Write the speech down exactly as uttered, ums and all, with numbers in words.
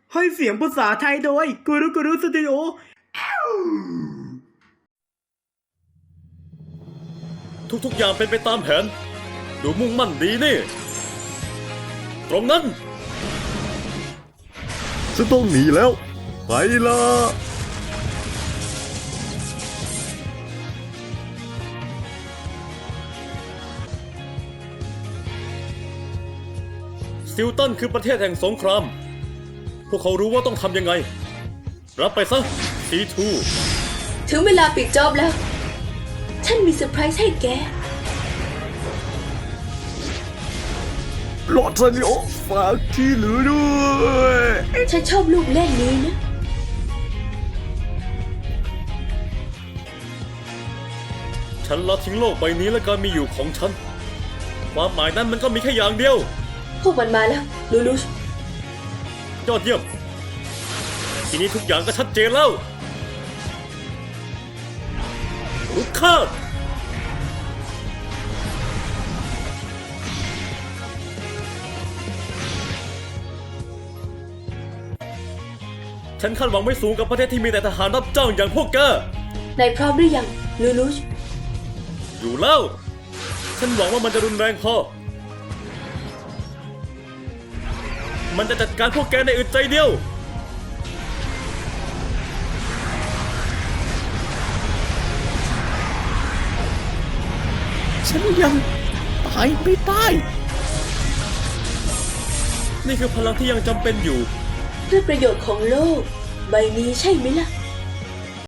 ให้เสียงภาษาไทยโดยกูรุกูรุสตูดิโอทุกๆอย่างเป็นไปตามแผนดูมุ่งมั่นดีนี่ตรงนั้นฉันต้องหนีแล้วไปละซิลตันคือประเทศแห่งสงครามพวกเขารู้ว่าต้องทำยังไงรับไปซะ ซี ทูถึงเวลาปิดจอบแล้วฉันมีเซอร์ไพรส์ให้แกลอดซานิโอฝากที่เหลือด้วยฉันชอบลูกเล่นนี้นะฉันละทิ้งโลกใบนี้และการมีอยู่ของฉันความหมายนั้นมันก็มีแค่อย่างเดียวพวกมันมาแล้วลูลูชยอดเยี่ยมทีนี้ทุกอย่างก็ชัดเจนแล้วลุกข้าฉันคาดหวังไม่สูงกับประเทศที่มีแต่ทหารรับจ้างอย่างพวกแกนายพร้อมหรือยังลูลูชอยู่แล้วฉันหวังว่ามันจะรุนแรงพอมันจะจัดการพวกแกในอึดใจเดียวฉันยังตายไม่ได้นี่คือพลังที่ยังจำเป็นอยู่เพื่อประโยชน์ของโลกใบนี้ใช่ไหมล่ะ